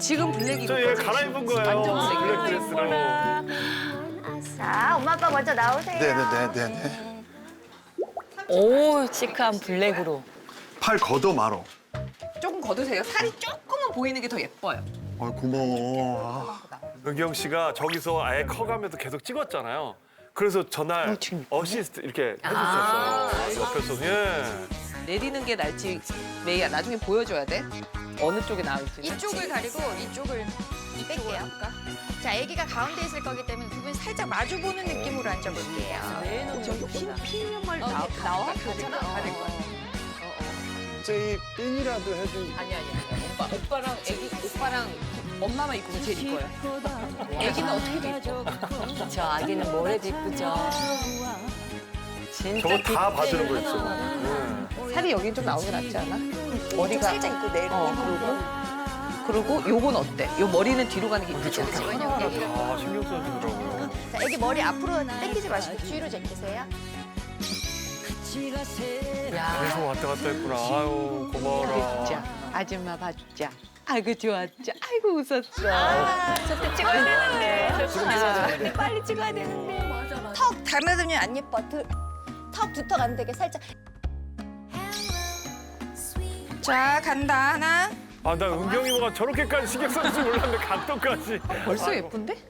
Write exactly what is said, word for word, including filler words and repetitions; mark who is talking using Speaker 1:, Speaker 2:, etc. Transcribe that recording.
Speaker 1: 지금 블랙
Speaker 2: 저
Speaker 1: 입은
Speaker 2: 얘
Speaker 1: 거지.
Speaker 2: 갈아입은 거예요.
Speaker 1: 완전
Speaker 2: 블랙 드레스로.
Speaker 3: 자, 엄마 아빠 먼저 나오세요.
Speaker 4: 네네네네네.
Speaker 5: 오, 시크한 블랙으로.
Speaker 4: 팔 걷어 말어.
Speaker 1: 조금 걷으세요. 살이 조금은 보이는 게 더 예뻐요.
Speaker 4: 아 고마워. 아,
Speaker 2: 은경 씨가 저기서 아예 커가면서 계속 찍었잖아요. 그래서 전날 어시스트 이렇게 해주셨어요. 옆에서. 예.
Speaker 1: 내리는 게 날지 메이야 나중에 보여줘야 돼. 어느 쪽에 나올지.
Speaker 3: 이쪽을 가리고 이쪽을 뺄게요. 자, 아기가 가운데 있을 거기 때문에 두 분이 살짝 마주보는 느낌으로 앉아볼게요.
Speaker 1: 저기 흰 피임을 나, 나와? 괜찮아? 가릴 거야.
Speaker 4: 제이 핀이라도 해준.
Speaker 1: 아니 아니 아니. 오빠 오빠랑 애기 오빠랑 엄마만 입고 제일 이뻐요. 애기는 어떻게 입고?
Speaker 5: 저 아기는 뭐래도 이쁘죠. 진짜
Speaker 2: 저거 다
Speaker 5: 뒷배는-
Speaker 2: 봐주는 거였어. 예.
Speaker 1: 살이 여기 좀 나오게 낫지 않아? 머리가
Speaker 3: 살짝 입고 내려.
Speaker 1: 어, 그리고 그리고 요건 어때? 요 머리는 뒤로 가는 게 이쁘지 않아?
Speaker 2: 다 신경 써주더라고요.
Speaker 3: 자, 아기 머리 앞으로 당기지 마시고 뒤로 제끼세요.
Speaker 5: 야,
Speaker 2: 계속 왔다 갔다 했구나. 아유 고마워라.
Speaker 1: 자, 아줌마 봐주자. 아이고 좋았죠. 아이고 웃었어.
Speaker 3: 저때 찍어야 되는데.
Speaker 5: 빨리 찍어야 되는데.
Speaker 3: 턱 닮아들면 안 예뻐. 두, 턱 두턱 안 되게 살짝. 자, 간다. 하나.
Speaker 2: 아 나 은경이 뭐가 저렇게까지 신경 써줄 줄 몰랐는데 각도까지.
Speaker 1: 벌써 예쁜데?